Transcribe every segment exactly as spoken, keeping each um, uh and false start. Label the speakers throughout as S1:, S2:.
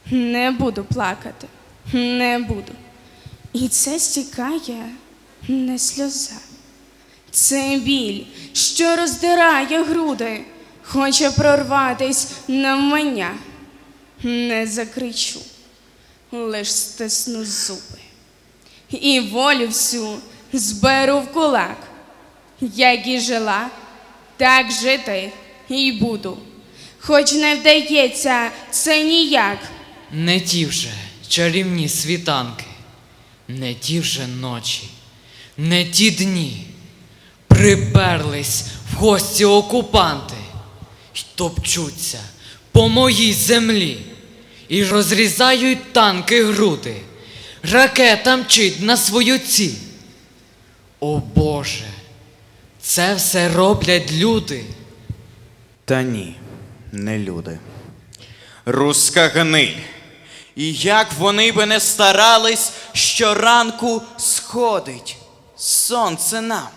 S1: Не буду плакати, не буду. І це стікає не сльоза. Це біль, що роздирає груди, хоче прорватись навмання. Не закричу, лиш стисну зуби. І волю всю зберу в кулак. Як і жила, так жити і буду. Хоч не вдається це ніяк.
S2: Не ті вже чарівні світанки, не ті вже ночі, не ті дні. Приперлись в гості окупанти й топчуться по моїй землі і розрізають танки груди. Ракета мчить на свою ціль. О Боже, це все роблять люди.
S3: Та ні, не люди. Руська гниль. І як вони би не старались, щоранку сходить сонце нам.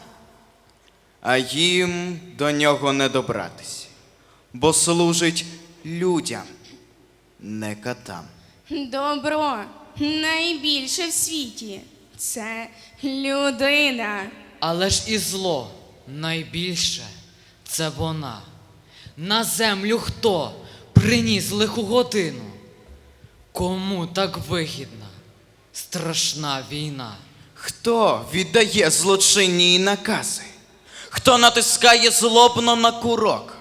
S3: А їм до нього не добратись, бо служить людям, не катам.
S1: Добро найбільше в світі – це людина.
S2: Але ж і зло найбільше – це вона. На землю хто приніс лиху годину? Кому так вигідна страшна війна?
S3: Хто віддає злочинні накази? Хто натискає злобно на курок?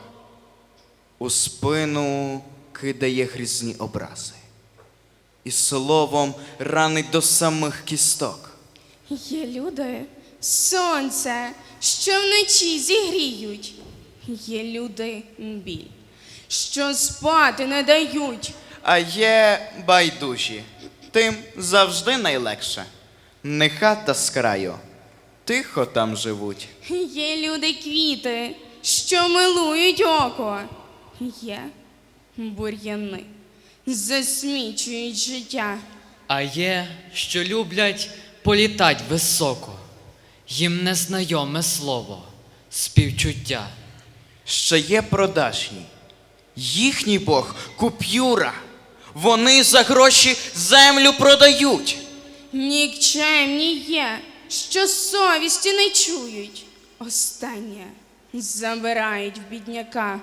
S3: У спину кидає грізні образи і словом ранить до самих кісток.
S1: Є люди – сонце, що вночі зігріють. Є люди – біль, що спати не дають.
S3: А є байдужі, тим завжди найлегше. Не хата з краю, тихо там живуть.
S1: Є люди – квіти, що милують око. Є бур'яни, засмічують життя.
S2: А є, що люблять політать високо. Їм незнайоме слово – співчуття.
S3: Ще є продажні. Їхній Бог – купюра. Вони за гроші землю продають.
S1: Нікчемні є, що совісті не чують. Останнє забирають в бідняка.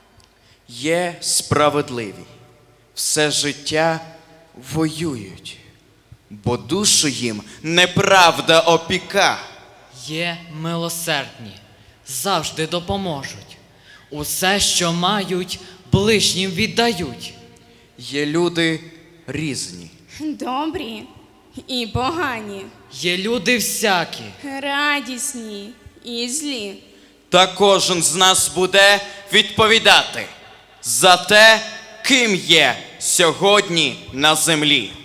S3: Є справедливі. Все життя воюють, бо душу їм неправда опіка.
S2: Є милосердні, завжди допоможуть. Усе, що мають, ближнім віддають.
S3: Є люди різні.
S1: Добрі і погані,
S2: Є люди всякі,
S1: радісні і злі.
S3: Та кожен з нас буде відповідати за те, ким є сьогодні на землі.